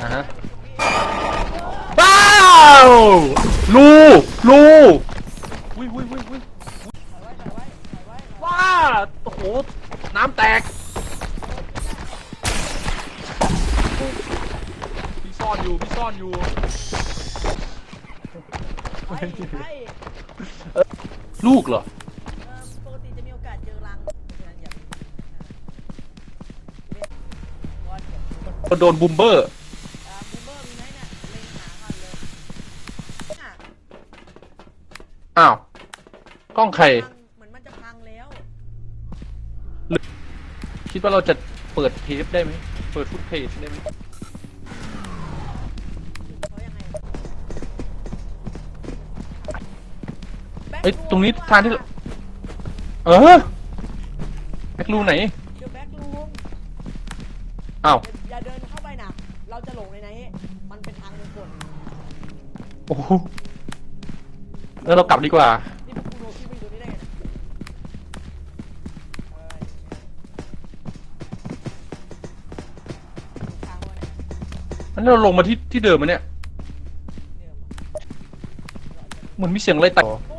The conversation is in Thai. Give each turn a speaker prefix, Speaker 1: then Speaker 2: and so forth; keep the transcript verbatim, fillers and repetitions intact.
Speaker 1: อ่ะฮะว้าวลูลูวิวิวิวิว้าโอ้โหน้ำแตกพี่ซ่อนอยู่พี่ซ่อนอยู่ลูกเหรอ
Speaker 2: ปกติจะมีโอกาสเจอรัง
Speaker 1: โดนบูมเบอร์
Speaker 2: บูมเบอร์มีไหมเนี่ยเล็งหาก่อนเลย
Speaker 1: อ้าวกล้องใคร
Speaker 2: เหมือนมันจะพังแล้ว
Speaker 1: คิดว่าเราจะเปิดเทปได้ไหมเปิดฟุตเพจได้ไหมเอ้ยตรงนี้ทางที่เออแบ็ครูไหน
Speaker 2: เดี๋ยวแบ็ครูม
Speaker 1: อ้าว
Speaker 2: อย่าเดินเข้าไปนะเราจะหลงในไหนมันเป็นทางวงกล
Speaker 1: โอ้โหแล้วเรากลับดีกว่า
Speaker 2: นี่พวกกูโดนที่ไม่อยู่นี่ได้ไง
Speaker 1: งั้นเราลงมาที่ที่เดิมมั้ยเนี่ยเหมือนมีเสียงอะไรต่อ